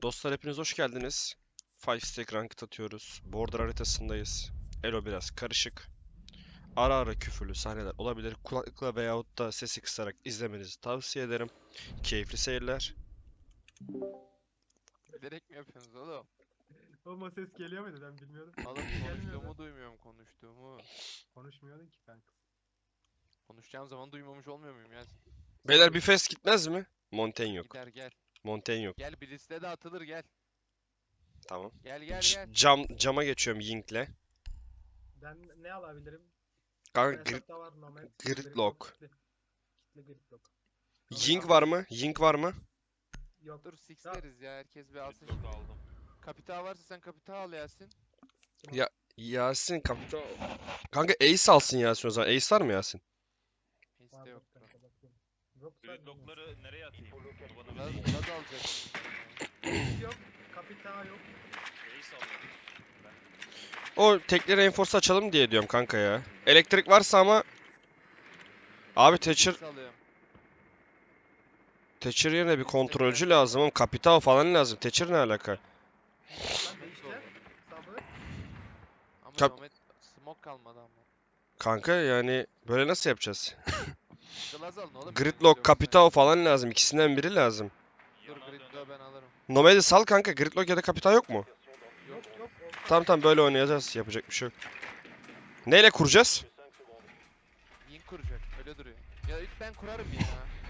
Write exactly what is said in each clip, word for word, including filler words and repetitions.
Dostlar hepiniz hoş geldiniz. Five Stack Ranked atıyoruz. Border haritasındayız. Elo biraz karışık. Ara ara küfürlü sahneler olabilir. Kulaklıkla veyahut da sesi kısarak izlemenizi tavsiye ederim. Keyifli seyirler. Bilerek mi yapıyorsunuz oğlum? Oğlum o ses geliyor muydu ben bilmiyordum. Oğlum Gelmiyordu. konuştuğumu duymuyorum konuştuğumu. Konuşmuyordun ki kanka. Konuşacağım zaman duymamış olmuyor muyum ya? Beyler bir fest gitmez mi? Montaigne yok. Gider gel. Montaigne yok. Gel bir liste de atılır gel. Tamam. Gel gel C- gel. cam cama geçiyorum Ying'le. Ben ne alabilirim? Kanka Ben gri- hesapta var Nomad. Gridlock. Kitli, kitli Gridlock. Ying var mı? Ying var mı? Yok. Dur sixleriz ya herkes bir alsın şimdi. aldım. Kapital varsa sen kapital al Yasin. Ya Yasin kaptan. Kanka Ace alsın Yasin o zaman. Ace var mı Yasin? Liste Vardır yok. kanka, bakayım. Yoksa Gridlock'ları nereye atayım? Bana Laz, bir Laz alacak. Ace yok. Kapita yok. Ace alayım. O tekli reinforce açalım diye diyorum kanka ya. Elektrik varsa ama abi Thatcher Six alıyorum. Thatcher yerine bir kontrolcü lazım oğlum. Kapital falan lazım. Thatcher ne alaka? Lan Nomet değişti. oldu. Sabır. Ama Kap- Nomet smoke kalmadı ama. Kanka yani böyle nasıl yapacağız? Glaz alın oğlum. Gridlock, Kapital falan lazım. İkisinden biri lazım. Dur Yana Gridlock'u dönelim. ben alırım. Nomad'i sal kanka. Gridlock ya da Kapital yok mu? Yok yok. olsa- Tamam tamam böyle oynayacağız. Yapacak bir şey yok. Neyle kuracağız? Ying kuracak öyle duruyor. Ya ilk ben kurarım ya.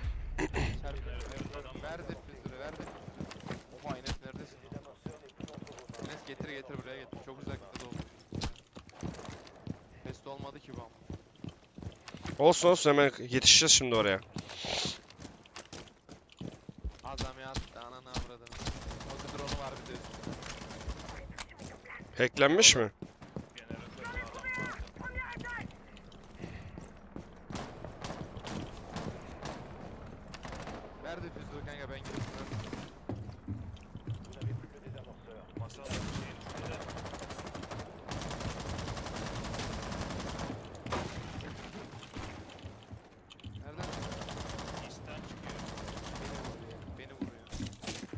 Çarpı. Ver defüzörü ver defüzörü. Oha Enes neredesin? Enes getir getir buraya getir. Çok uzakta da olmuş. Test olmadı ki bu ama. Olsun olsun hemen yetişeceğiz şimdi oraya. Adam yattı ananı avradını. O drone'u var bir de üstünde. Hacklenmiş mi? Jeneratörde adam var. Ver defüzörü kanka ben gireyim. Masa şeyin üstünde. Nereden? East'ten çıkıyor. Beni vuruyor. Beni vuruyor.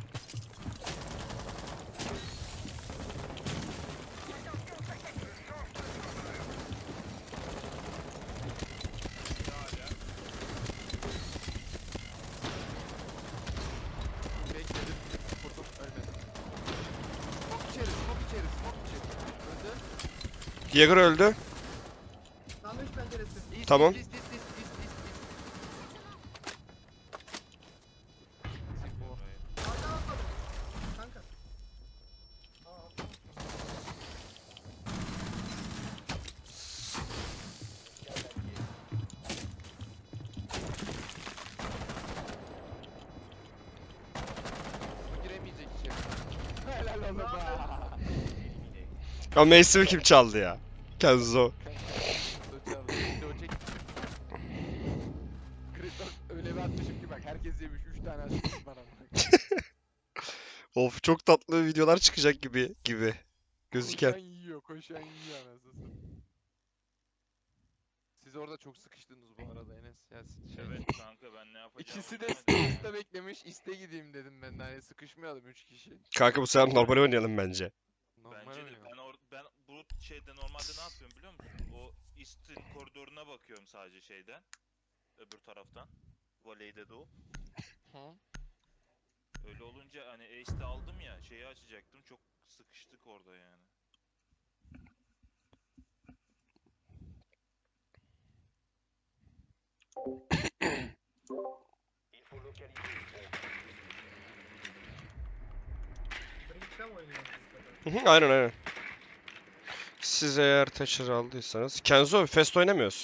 Bekledim. Vurdum ölmedim. Smoke içeri smoke içeri smoke içeri. Öldü. Jäger öldü. Sandviç penceresi. İst, Tamam. ist, ist, ist, ist, ist, ist. Sifo. Arkadan atladım. Kanka. Aa, atladım. Bu giremeyecek içeri. Helal oğlum ha. Ya Mace'imi kim çaldı ya? Kenzo. Kriton öyle bir atmışım ki bak herkes yemiş üç tane asist bana. Of çok tatlı videolar çıkacak gibi gibi gözüken. Koşan yiyor koşan yiyor anasını satayım. Siz orada çok sıkıştınız bu arada Enes. Ya, şey, Evet kanka ben ne yapacağımı İkisi de bilemedim. iste beklemiş iste gideyim dedim ben de hani sıkışmayalım üç kişi. Kanka bu sefer normal oynayalım bence. Normal Bence de oynuyor. ben or ben bu şeyde normalde ne yapıyorum biliyor musun? O East'in koridoruna bakıyorum sadece şeyden. Öbür taraftan. Voley'de de o. Hı? Öyle olunca hani Ace'de aldım ya şeyi açacaktım çok sıkıştık orada yani. Drink'te mi oynuyorsunuz? Hı hı, aynen aynen. Siz eğer Thatcher aldıysanız. Kenzo Fest oynamıyoruz.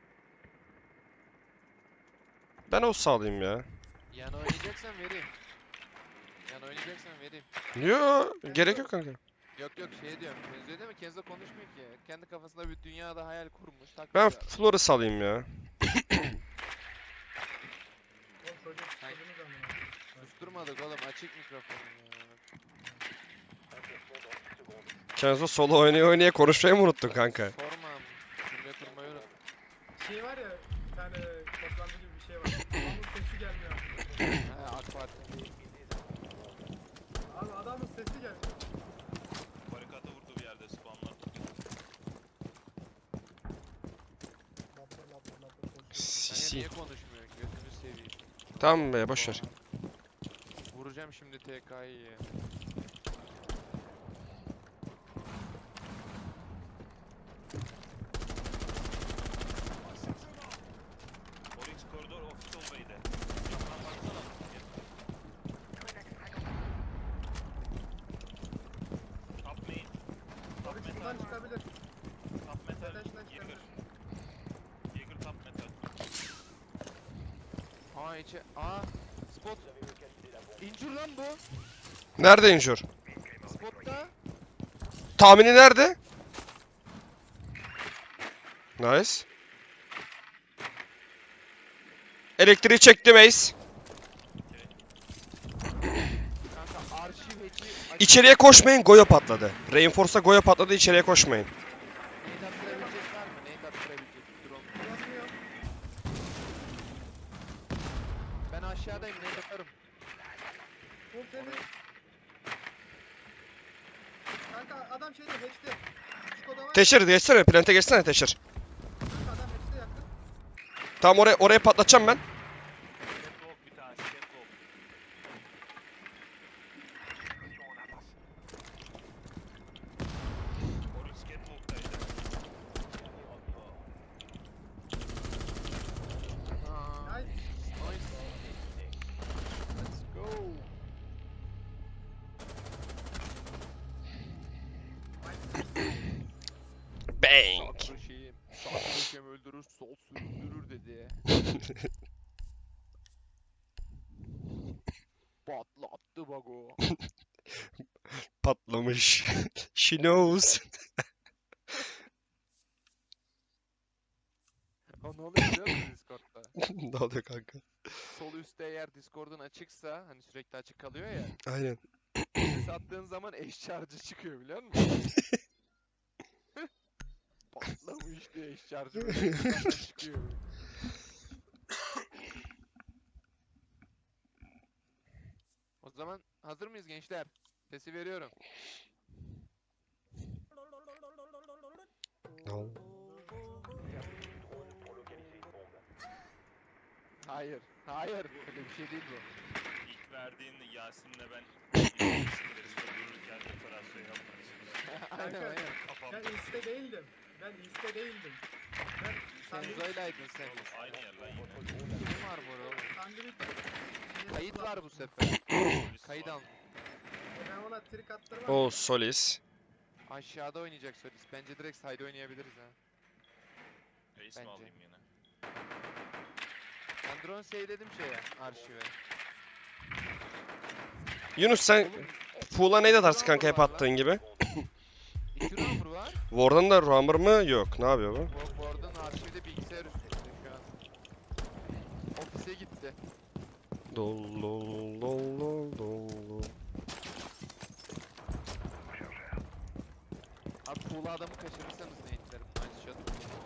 Ben o sağlayayım ya. Yan oynayacaksan vereyim. Yan oynayacaksan vereyim. Yo gerek yok kanka. Yok yok şey diyorum. Kenzo değil mi? Kenzo konuşmuyor ki. Kendi kafasında bir dünyada hayal kurmuş. Ben takılıyor. Flor'u salayım ya. Oğlum çocuk sıkıldınız ama. Susturmadık oğlum açık mikrofonu ya. Kenzo solo oynaya oynaya konuşmayı mı unuttun kanka? Sormam. Cümle kurmayı unut. Şey var ya bir tane toplantı gibi bir şey var. Onun sesi gelmiyor. Ha AK Parti. Abi adamın sesi geldi. Barikata vurdu bir yerde spamla. Lapır lapır lapır koşuyor. Kanka Sisi. niye konuşmuyor? Gözünü seveyim. Tamam be boş ver. Vuracağım şimdi T K'yı ya. Oryx koridor ofis olmaydı. Yakından baksana. Top main. Top Abi metal. şuradan çıkabilir. Top metal. Arkadaşlar Jaeger. çıkabilir. Jaeger top metal. Aa içe... Aa! Spot! İncir lan bu! Nerede injur? Spotta! Tahmini nerede? Nice. Elektriği çektim Ace. Kanka arşiv heki... İçeriye koşmayın, Goyo patladı. Reinforce'a Goyo patladı, içeriye koşmayın. Nate attırabilecek var mı? Nate attırabilecek drone. Ulaşmıyor. Ben aşağıdayım, Nate atarım. Full temiz. Kanka adam şeyde hatch'te. Skoda var. Teşir geçsene, plante geçsene Teşir. Kanka adam hatch'te yakın. Tamam oraya oraya patlatacağım ben. Catwalk bir tanesi. Catwalk. Oryx catwalk'taydı. Aa, Nice. nice. Let's go. Bang. Sağ köşeyi, sağ köşem öldürür, sol süründürür dedi. Patlattı bago. Patlamış. She knows. O ne oluyor biliyor musun Discord'da? Ne oluyor kanka? Sol üstte eğer Discord'un açıksa, hani sürekli açık kalıyor ya. Aynen. Ses attığın zaman eş charge'ı çıkıyor biliyor musun? Patlamış diye eş charge'ı böyle ekrandan çıkıyor. O zaman hazır mıyız gençler? Sesi veriyorum. No. Hayır, hayır. Öyle bir şey değil bu. İlk verdiğin Yasin'le ben dururken operasyon yapmak istiyorum. aynen Kanka, aynen. Ben Kafamda iste değildim. Ben iste değildim. Ben sandviç, Kenzo'ylaydın sen. aynı yer lan yine. Kim var bu oğlum? sandviç. Kayıt var bu sefer. Polis Kayıt var. al. Ben ona trik attırmam. O Solis. Aşağıda oynayacak Solis. Bence direkt side oynayabiliriz ha. Ace Bence. mi alayım yine? Ben drone save'ledim şeye, arşive. Yunus sen Oğlum, Pool'a neydi atarsın Rover kanka hep var lan. attığın gibi? iki rover var. Warden da Roamer mı? Yok. Ne yapıyor bu? Bu, bu arada arşivde bilgisayar üstünde şu an. Ofise gitti. Dol dol dol dol dol. Abi pool'a adamı kaçırırsanız ne itlerim? Nice shot.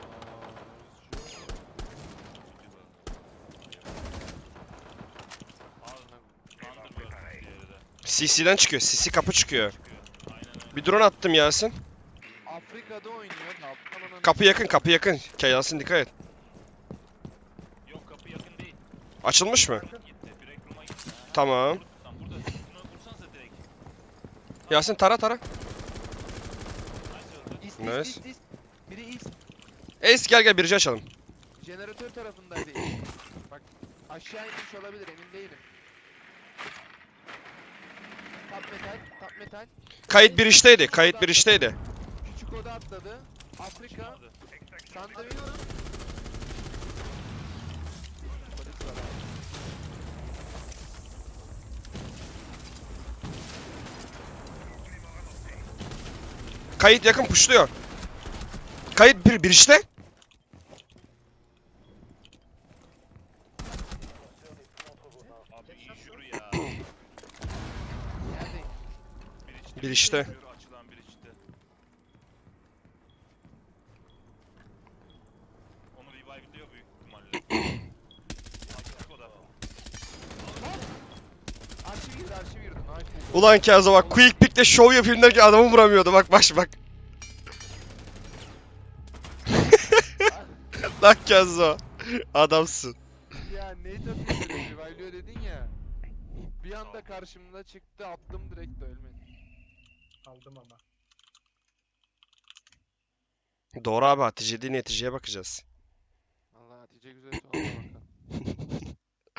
Aa, Thunderbird diğeri de. C C'den çıkıyor. C C kapı çıkıyor. Çıkıyor. Aynen öyle. Bir drone attım Yasin. Afrika'da oynuyor. Ne yaptın lan? Kapı yakın, kapı yakın. Ke- Yasin dikkat et. Yok kapı yakın değil. Açılmış mı? Gitti. Break room'a gitti. Ha. Tamam. Tam burada. Bunu vursanıza direkt. Yasin tara tara. Nice öldü. İst, Nice. ist, ist, ist. Biri ist. Ace gel gel birci açalım. Jeneratör tarafındaydı. Bak aşağı inmiş olabilir emin değilim. Top metal, top metal. Kayıt bir işteydi. Kayıt bir işteydi. Küçük oda atladı. Afrika. Çıkmadı. Sandviç. Polis var abi. Kayıt yakın puşluyor. Kayıt bir bir işte. Abi injuru ya. Neredeyim? Bir içte. Bir işte. Injuru açılan bir içte. Onu revive'liyor büyük ihtimalle. Açık o da. Arşiv girdi, arşiv girdi. Nice. Ulan Kenzo bak quick pick'le show yapayım derken adamı vuramıyordu. Bak baş bak. Lan Kenzo. Adamsın. Ya nade atıyor direkt revive'lıyor dedin ya. Bir anda karşımda çıktı attım direkt de ölmedi. Aldım ama. Doğru abi, Hatice değil neticeye bakacağız. Allah Hatice güzel oldu bakalım.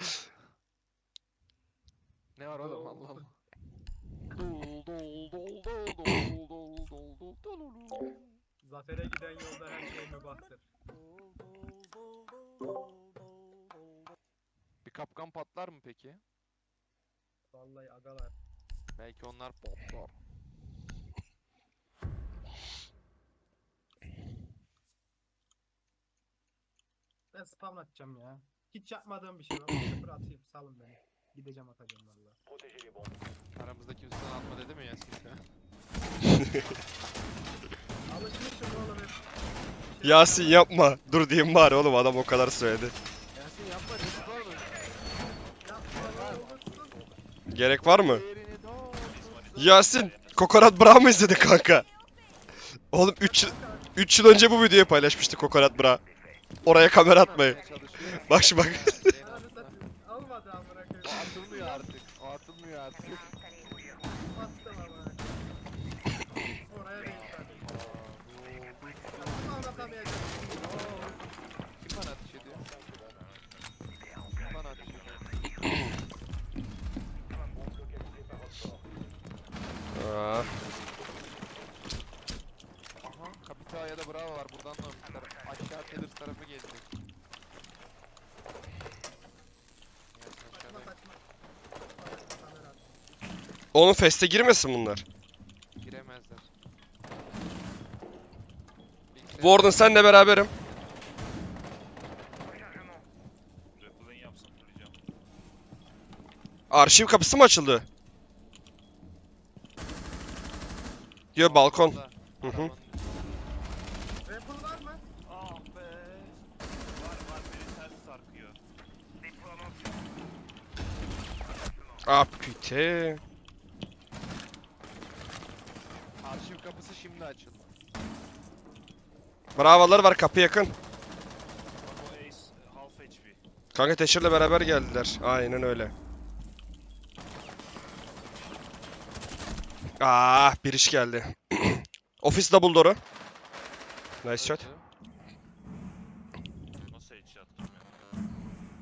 Ne var oğlum Allah Allah. Dol dol dol dol dol dol dol dol dol dol. Zafere giden yolda her şey mübahtır. Bir kapkan patlar mı peki? Vallahi agalar. Belki onlar patlar. Ben spam atacağım ya. Hiç yapmadığım bir şey var. Sıfır atayım. Salın beni. Gideceğim atacağım vallahi. Aramızda kimse sana atma dedi mi Yasin şu an? Alışmışım oğlum hep. Şey Yasin yapma. Dur diyeyim bari oğlum, adam o kadar söyledi. Yasin yapma risk var mı? Yapma lan olursun. Gerek var mı? Yerini doğru. Yasin, Kokonat Bra mı izledin kanka? Oğlum üç üç yıl önce bu videoyu paylaşmıştı Kokonat Bra. Oraya kamera atmayın. Bak şimdi bak. Ananı satayım. Almadı amına koyayım. O atılmıyor artık. O atılmıyor artık. Attım amına. Oraya değil tabii. Ama anlatamayacağım. Kim bana ateş ediyor? Kim bana ateş ediyor? Aa, Aha, Kapita'ya da bravo var. Buradan da almışlar. Aşağı Tellers tarafı gelecek. Yasin Saçma aşağıda saçma. Kamera at. Oğlum feste girmesin bunlar. giremezler. Bilgisayar- Warden senle beraberim. Rappel'ın yapsın fullayacağım. Arşiv kapısı mı açıldı? Yo, balkon. Balkonda, Hı hı. arabanın Rapper var mı? Ah be. Var var biri ters sarkıyor. Ah püte. Arşiv kapısı şimdi açıldı. Bravolar var, kapı yakın. Bak o Ace half H P. Kanka Teşir'le beraber geldiler. Aynen öyle. Ah, bir iş geldi. Ofis double door'u. Nice shot. Öldü. Nasıl headshot bilmiyorum.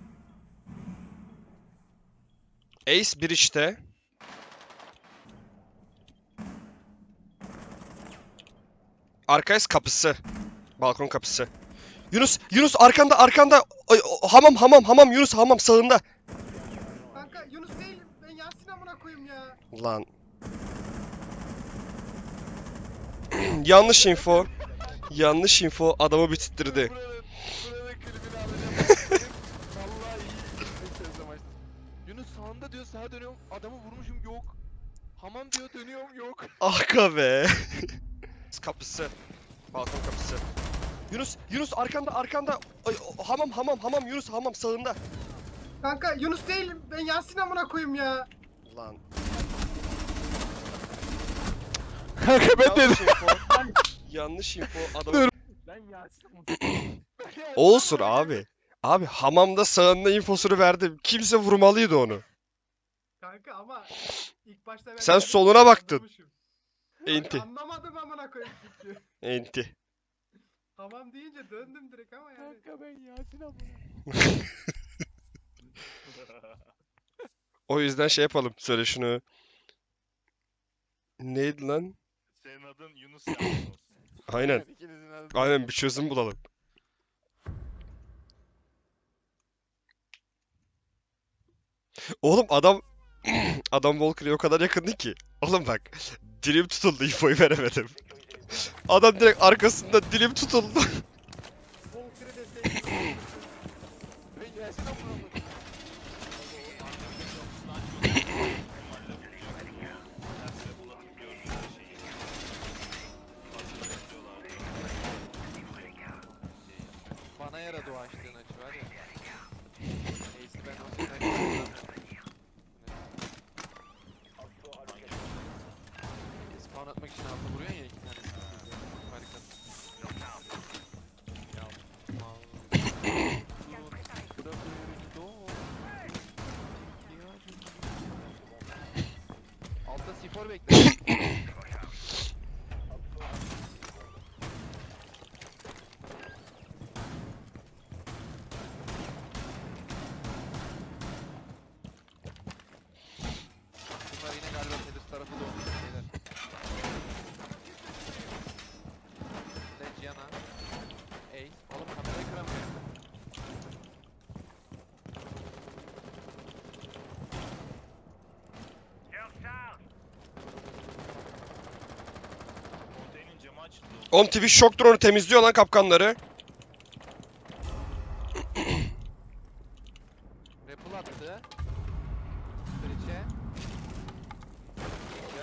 Ace bir işte. Arka kapısı. Balkon kapısı. Yunus, Yunus arkanda, arkanda. Ay, o- hamam, hamam, hamam. Yunus hamam sağında. Kanka Yunus değil. Ben Yasin amına koyayım ya. Lan. Yanlış info. Yanlış info adamı bitirdi. Buranın, buranın klibini alacağım. Vallahi iyi izletiyoruz amaçlı. Yunus sağında diyor sağa dönüyorum adamı vurmuşum yok. Hamam diyor dönüyorum yok. Arka be. Kapısı. Balkon kapısı. Yunus, Yunus arkanda, arkanda. Ay, o- hamam, hamam, hamam. Yunus hamam sağında. Kanka Yunus değil. Ben Yasin amına koyayım ya. Lan. Kanka Yanlış info. Yanlış info adamı. Ben Yasin amına Olsun abi. Abi hamamda sağında infosunu verdim. Kimse vurmalıydı onu. Kanka ama ilk başta ben Sen dedim, soluna baktın. anlamışım. Kanka Enti. Anlamadım amına koyayım çünkü. Enti. Tamam deyince döndüm direkt ama yani. Kanka ben Yasin amına. O yüzden şey yapalım. Söyle şunu. Neydi lan? Senin adın Yunus Yasin olsun. Aynen. İkinizin adı. Aynen bir çözüm bulalım. Oğlum adam adam Walker'a o kadar yakındı ki. Oğlum bak, dilim tutuldu, infoyu veremedim. Adam direkt arkasında dilim tutuldu. Volker'ı deseydim. Ben Yasin amına. Bana yaradı o açtığın açı var ya. Ace'i ben o senin açını C four bekle. Bunlar yine galiba Tedus tarafı doğmuş şeyler. Legiana. Ey. Oğlum kamerayı kıramıyorum. Konteynerin camı açıldı. Oğlum Twitch şok drone'u temizliyor lan kapkanları. Rappel attı. Breach'e. Ya.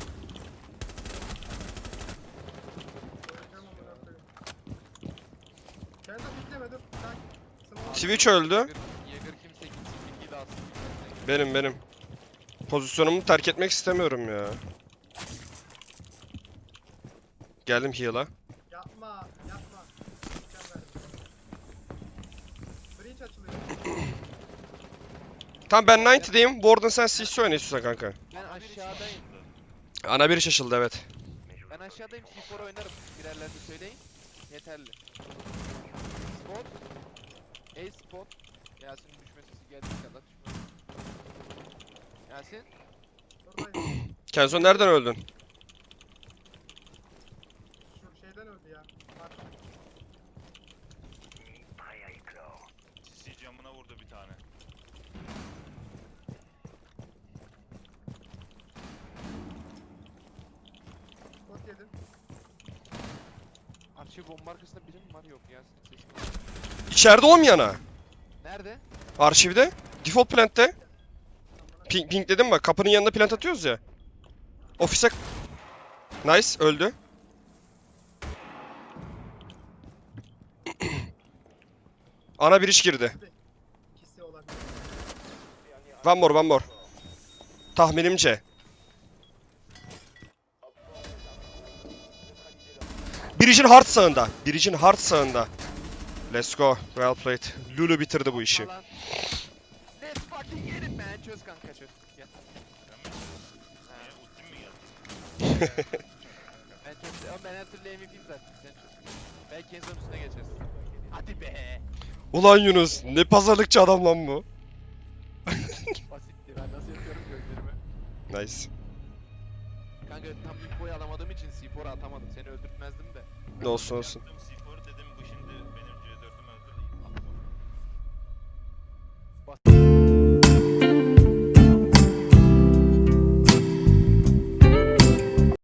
Öleceğim amına koyayım. Kenzo bitleme dur. Sen smoke- Twitch öldü. Jäger Jäger kimse gitsin bilgiyi de alsın. Benim benim. Pozisyonumu terk etmek istemiyorum ya. Geldim heal'a. Yapma, yapma. Gideceğim ben. Breach açılıyor. Tamam ben doksan'dayım. Warden sen C S oyna istiyorsan kanka. Ben aşağıdayım. Ana biri şaşıldı evet. Ben aşağıdayım. C four oynarım. Birerlerini söyleyin. Yeterli. Spot. A spot. Yasin'in düşme sesi geldiği kadar düşme. Yasin. Buradayım. Kenzo nereden öldün? Şu şeyden öldü ya. Bak. C C camına vurdu bir tane. Spot yedin. Arşiv bomba arkasında biri mi var? Yok Yasin. Sesim var. İçeride olmayana. Nerede? Arşivde. Default plant'te. Ping, ping dedim bak. Kapının yanında plant atıyoruz ya. Ofise... Nice. Öldü. Ana bir iş girdi. İkisi olabilir. One more, one more. Tahminimce. Bridge'in hard sağında. Bridge'in hard sağında. Let's go. Well played. Lulu bitirdi bu işi. Falan. Let's fucking get it man. Çöz kanka çöz. Gel. Ben mi? Ha. Niye ultim mi geldi? Ben çöz. Ama ben her türlü M V P'yim zaten. Sen çöz. Belki Kenzo'nun üstüne geçeriz. Hadi be. Ulan Yunus, ne pazarlıkçı adam lan bu. Basitti. Ben nasıl yapıyorum gözlerimi. Nice. Kanka tam ilk boyu alamadığım için C four'a atamadım. Seni öldürtmezdim de. Ne olsun olsun. Yaptım C four dedim bu şimdi benim C dört'üm öldü. Atma. Bas.